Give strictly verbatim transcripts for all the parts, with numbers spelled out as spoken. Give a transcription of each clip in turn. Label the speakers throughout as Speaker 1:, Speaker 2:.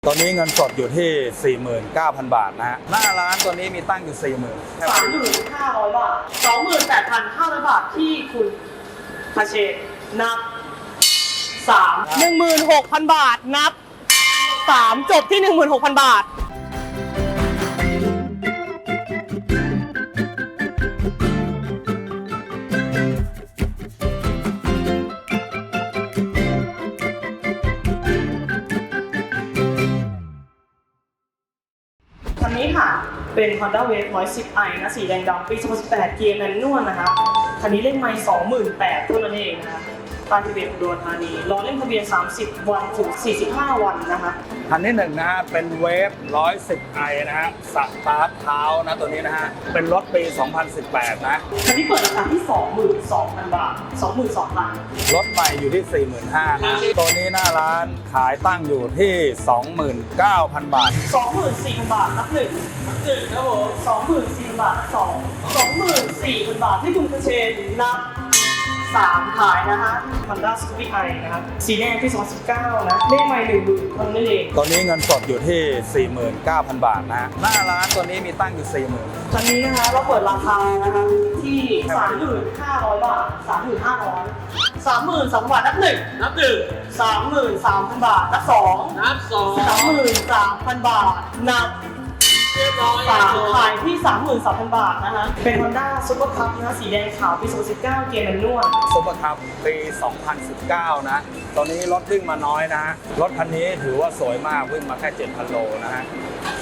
Speaker 1: ตอนนี้เงินสดอยู่ที่ สี่หมื่นเก้าพัน บาทนะฮะหน้าร้านตัวนี้มีตั้งอยู่ สี่หมื่น
Speaker 2: สามหมื่นห้าร้อยบาท สองหมื่นแปดพันห้าร้อยบาทที่คุณคาเชนับสาม
Speaker 3: หนึ่งหมื่นหกพัน บาทนับสามจบที่ หนึ่งหมื่นหกพัน บาท
Speaker 2: คันนี้ค่ะเป็น Honda Wave หนึ่งร้อยสิบ ไอ นะสีแดงดำปี สองพันสิบแปด เกียร์แมนนวลนะคะคันนี้เลขไมล์ สองหมื่นแปดพัน เท่านั้นเองนะคะปานทะเบียนอุดรธานีรอเล่นทะเบียน สามสิบ วันถึง สี่สิบห้า วันนะคะ
Speaker 1: คันที่หนึ่งนะฮะเป็นเวฟหนึ่งร้อยสิบ ไอ นะฮะสตาร์ทเท้านะตัวนี้นะฮะเป็นรถปี สองพันสิบแปด นะ
Speaker 2: คันนี้เปิดราคาที่ สองหมื่นสองพัน บาท สองหมื่นสองพัน
Speaker 1: รถใหม่อยู่ที่ สี่หมื่นห้าพัน นะตัวนี้หน้าร้านขายตั้งอยู่ที่ สองหมื่นเก้าพัน บาท
Speaker 2: สองหมื่นสี่พัน บาทนับหนึ่งนับหนึ่งครับผมสองหมื่นสี่พัน บาทนับสอง สองหมื่นสี่พัน บาทที่คุณคเชนนับสามขายนะฮะ Honda Scoopy i นะครับสีแดงปี สองพันสิบเก้า นะเลขไมล์หนึ่งหมื่นคนนั่นเอง
Speaker 1: ตอนนี้เงินสดอยู่ที่ สี่หมื่นเก้าพัน บาทนะฮะหน้าร้านตัวนี้มีตั้งอยู่ สี่หมื่น
Speaker 2: คันนี้นะคะเราเปิดราคานะคะที่ สามหมื่นห้าร้อย บาท สามหมื่นห้าร้อย สามหมื่นสองพัน บาทนับหนึ่งนับหนึ่ง สามหมื่นสามพัน บาทนับสองนับสอง สามหมื่นสามพัน บาทนับสามขายที่ สามหมื่นสามพัน บาทนะฮะเป็น Honda Super Cup นะสีแดงขาวปี สองพันสิบเก้า เกียร์แมนนวล
Speaker 1: ซุปเปอร์คัพปี สองพันสิบเก้า นะตอนนี้รถวิ่งมาน้อยนะฮะรถคันนี้ถือว่าสวยมากวิ่งมาแค่ เจ็ดพัน โลนะฮะ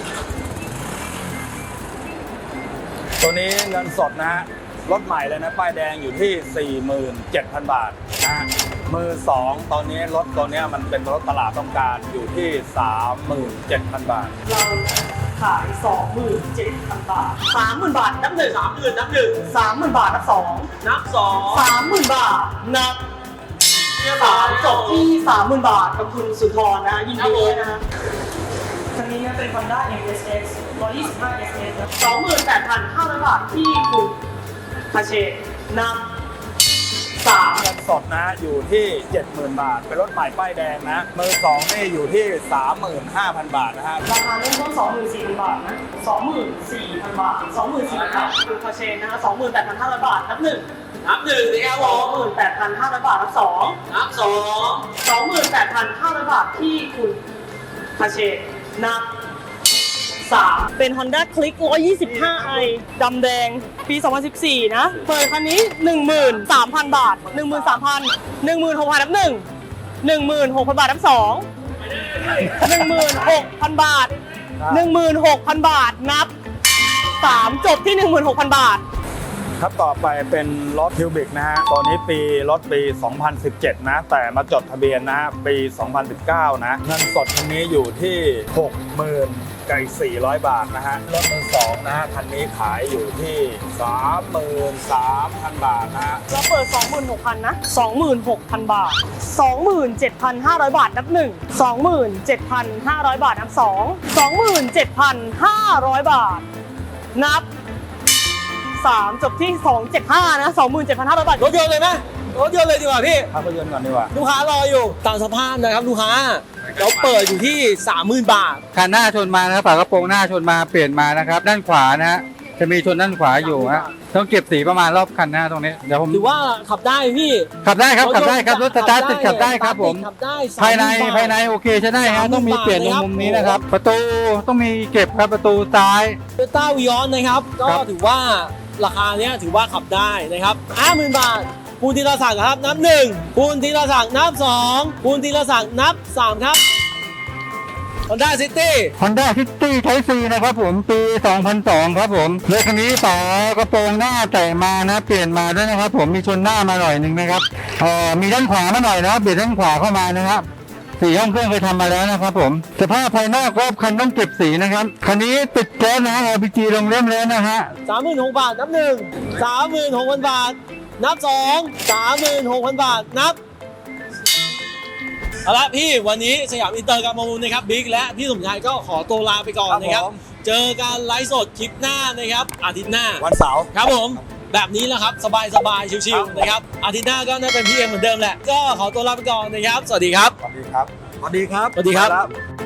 Speaker 1: ตัวนี้เงินสดนะฮะรถใหม่เลยนะป้ายแดงอยู่ที่ สี่หมื่นเจ็ดพัน บาทนะฮะมือสองตอนนี้รถตัวนี้มันเป็นรถตลาดต้องการอยู่ที่ สามหมื่นเจ็ดพัน บาท
Speaker 2: เราขาย สองหมื่นเจ็ดพัน บาท สามหมื่น บาทนับหนึ่ง สามหมื่นนับหนึ่ง สามหมื่น บาทนับสองนับสอง สามหมื่น บาทนับสามจบที่ สามหมื่น บาทกับคุณสุนทรนะยินดีด้วยนะฮะคันนี้นะเป็น Honda เอ็ม เอส เอ็กซ์ หนึ่งร้อยยี่สิบห้า เอส เอส นะ สองหมื่นแปดพันห้าร้อย บาทที่คุณคาเชนับสาม
Speaker 1: เงินสดนะอยู่ที่ เจ็ดหมื่น บาทเป็นรถใหม่ป้ายแดงนะมือสองนี่อยู่ที่ สามหมื่นห้าพัน บาทนะฮะ
Speaker 2: ราคาเริ่มต้น สองหมื่นสี่พัน บาทนะ สองหมื่นสี่พัน บาท สองหมื่นสี่พัน บาทคุณคาเชนนะฮะ สองหมื่นแปดพันห้าร้อย บาทนับหนึ่งนับหนึ่งสิครับผม สองหมื่นแปดพันห้าร้อย บาทนับสองนับสอง สองหมื่นแปดพันห้าร้อย บาทที่คุณคาเชนนับสาม
Speaker 3: เป็น Honda Click หนึ่งร้อยยี่สิบห้า ไอ ดำแดงปี สองพันสิบสี่ นะเปิดคันนี้ หนึ่งหมื่นสามพัน บาท หนึ่งหมื่นสามพัน หนึ่งหมื่นหกพัน นับหนึ่ง หนึ่งหมื่นหกพัน บาทนับสอง หนึ่งหมื่นหกพัน บาท หนึ่งหมื่นหกพัน บาทนับสามจบที่ หนึ่งหมื่นหกพัน บาท
Speaker 1: ครับต่อไปเป็นรถคิวบิกนะฮะตัวนี้ปีรถปี สองพันสิบเจ็ด นะแต่มาจดทะเบียนนะปี สองพันสิบเก้า นะเงินสดคันนี้อยู่ที่ หกหมื่น ไก่สี่ร้อย บาทนะฮะรถมือสองนะฮะคันนี้ขายอยู่ที่ สามหมื่นสามพัน บาทนะฮะ
Speaker 3: เราเปิด สองหมื่นหกพัน นะ สองหมื่นหกพัน บาท สองหมื่นเจ็ดพันห้าร้อย บาทนับหนึ่ง สองหมื่นเจ็ดพันห้าร้อย บาทนับสอง สองหมื่นเจ็ดพันห้าร้อย บาทนับสามจบที่สองหมื่นเจ็ดพันห้าร้อย นะ สองหมื่นเจ็ดพันห้าร้อย บาท
Speaker 4: รถยนต์เลยไหมรถยนต์เลยดีกว่าพี่
Speaker 1: ภาพยนตร์ก่อนดีกว่า
Speaker 4: ลูกค้ารออยู่ตามสภาพนะครับลูกค้าเราเปิดอยู่ที่ สามหมื่น บาท
Speaker 5: คันหน้าชนมานะครับฝากระโปรงหน้าชนมาเปลี่ยนมานะครับด้านขวานะฮะจะมีชนด้านขวาอยู่ฮะต้องเก็บสีประมาณรอบคันหน้าตรงนี้เดี๋ยวผม
Speaker 4: ถือว่าขับได้พี่
Speaker 5: ขับได้ครับขับได้ครับรถสตาร์ทติดขับได้ครับผม
Speaker 4: ขับได้
Speaker 5: ภายในภายในโอเคใช้ได้ฮะต้องมีเปลี่ยนตรงมุมนี้นะครับประตูต้องมีเก็บครับประตูซ้าย
Speaker 4: โตโยต้าวีออนนะครับก็ถือว่าราคาเนี้ยถือว่าขับได้นะครับ ห้าหมื่น บาทคุณธีรศักดิ์ครับนับหนึ่งคุณธีรศักดิ์นับสองคุณธีรศักดิ์นับสามครับ Honda City
Speaker 5: Honda City Type C นะครับผมปี สองพันสอง ครับผมรถคันนี้ฝากระโปรงหน้าแต่งมานะเปลี่ยนมาด้วยนะครับผมมีชนหน้ามาหน่อยหนึ่งนะครับเอ่อมีด้านขวามาหน่อยนะเบียดด้านขวาเข้ามานะครับสีห้องเครื่องเคยทำมาแล้วนะครับผมสภาพภายนอกรอบคันต้องเก็บสีนะครับคันนี้ติดแก๊สนะ แอล พี จี ลงเล่มแล้วนะฮะ
Speaker 4: สามหมื่นหกพัน บาทนับหนึ่ง สามหมื่นหกพัน บาทนับสอง สามหมื่นหกพัน บาทนับเอาละพี่วันนี้สยามอินเตอร์การประมูลนะครับบิ๊กและพี่สมชายก็ขอตัวลาไปก่อนนะครับเจอกันไลฟ์สดคลิปหน้านะครับอาทิตย์หน้า
Speaker 1: วันเสาร์
Speaker 4: ครับผมแบบนี้แหละครับสบายสบายชิวๆนะครับอาทิตย์หน้าก็น่าเป็นพี่เอ็มเหมือนเดิมแหละก็ขอตัวลาไปก่อนนะครับสวัสดีครับ
Speaker 1: สวัสดีครับสวัสดีครับ
Speaker 4: สวัสดีครับ